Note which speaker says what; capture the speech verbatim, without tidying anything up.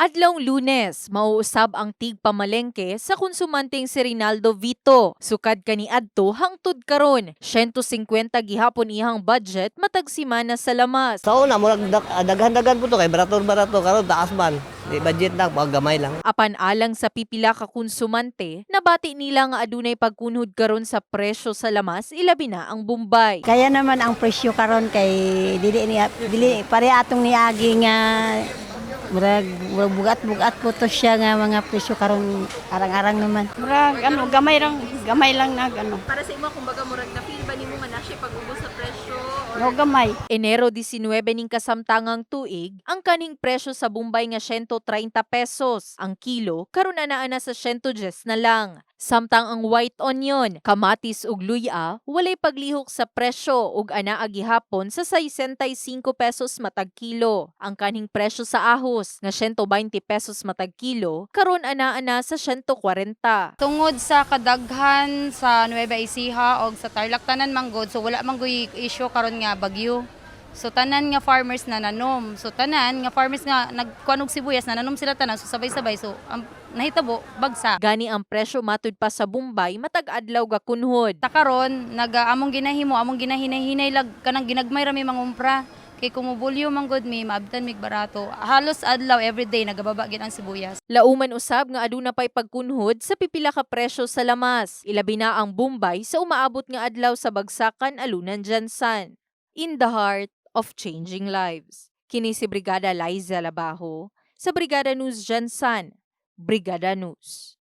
Speaker 1: Adlawng Lunes, mauusab ang tigpamalengke sa konsumanteng si Rinaldo Vito. Sukad kaniadto hangtod karon, one hundred fifty gihapon ihang budget matag semana sa lamas.
Speaker 2: Sa una, murag dag- ah, daghan-daghan po to kay barato-barato karon taas man. Di budget lang, pag gamay lang.
Speaker 1: Apan alang sa pipila ka konsumante, nabati nila nga adunay pagkunhod karon sa presyo sa lamas ilabi na ang Bombay.
Speaker 3: Kaya naman ang presyo karon kay dili ni dili pare atong niagi nga murag murag bugat-bugat po to siya nga mga presyo karon arang-arang naman.
Speaker 4: Murag ano, gamay lang, gamay lang na ano.
Speaker 1: Para sa imo kumbaga murag na feel ba nimo nga na siya pag-ubos sa presyo?
Speaker 4: No gamay.
Speaker 1: Enero nineteen ning kasamtangang tuig, ang kaning presyo sa Bombay nga one hundred thirty pesos. Ang kilo karon na naa na sa one hundred ten na lang. Samtang ang white onion, kamatis ug luya walay paglihok sa presyo ug anaa gihapon sa sesenta y cinco pesos matag kilo. Ang kaning presyo sa ahos nga one hundred twenty pesos matag kilo karon anaa na sa one hundred forty.
Speaker 5: Tungod sa kadaghan sa Nueva Ecija o sa Tarlac tanan manggod, so wala man gyud issue karon nga bagyo. So tanan nga farmers na nanom. So tanan nga farmers nga nagkuan og sibuyas na nanom sila tanan so sabay-sabay so ang nahitabo bagsa.
Speaker 1: Gani ang presyo matud pa sa Bombay matag adlaw ga kunhod.
Speaker 5: Ta karon nag among ginahimo among ginahinay-hinay lag kanang ginagmay ra mi mangumpra. Kay kumubulyo manggod mi maabtan mig barato. Halos adlaw everyday nagababa gid ang sibuyas.
Speaker 1: Lauman usab nga aduna pay pagkunhod sa pipila ka presyo sa lamas. Ilabi na ang Bombay sa umaabot nga adlaw sa bagsakan alunan Jansan. In the heart of changing lives. Kini si Brigada Liza Labajo sa Brigada News Jansan. Brigada News.